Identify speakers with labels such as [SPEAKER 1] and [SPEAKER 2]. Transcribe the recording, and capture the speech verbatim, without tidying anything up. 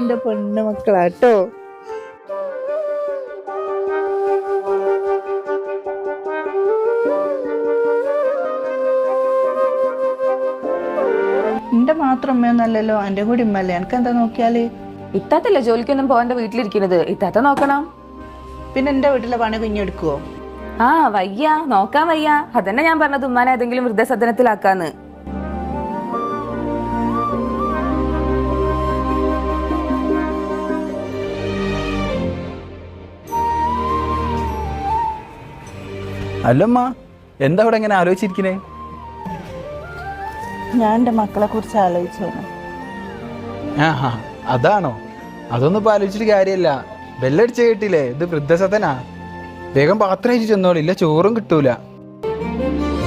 [SPEAKER 1] എന്റെ പെണ്ണു മക്കളാട്ടോ. എന്റെ മാത്രം അമ്മയൊന്നല്ലല്ലോ, എന്റെ കൂടി ഉമ്മല്ലേ. എനിക്ക് എന്താ നോക്കിയാല്?
[SPEAKER 2] ഇത്താത്തല്ലേ ജോലിക്കൊന്നും പോകാൻ വീട്ടിലിരിക്കുന്നത്, ഇത്താത്ത നോക്കണം.
[SPEAKER 1] പിന്നെ എന്റെ വീട്ടിലെ പണി കുഞ്ഞെടുക്കുവോ?
[SPEAKER 2] ആ വയ്യ, നോക്കാൻ വയ്യ. അതന്നെ ഞാൻ പറഞ്ഞത് ഉമ്മാനെ ഏതെങ്കിലും വൃദ്ധസദനത്തിലാക്കാന്ന്.
[SPEAKER 3] അല്ലമ്മ, എന്താ അവിടെ ഇങ്ങനെ ആലോചിച്ചിരിക്കണേ?
[SPEAKER 1] ഞാൻ എന്റെ മക്കളെ കുറിച്ച് ആലോചിച്ചു.
[SPEAKER 3] ആ അതാണോ? അതൊന്നും ഇപ്പൊ ആലോചിച്ചിട്ട് കാര്യമല്ല. ബെല്ലടിച്ച് കേട്ടില്ലേ, ഇത് വൃദ്ധസദനാ. വേഗം പാത്രം അയച്ചു ചെന്നോളില്ല, ചോറും കിട്ടൂല.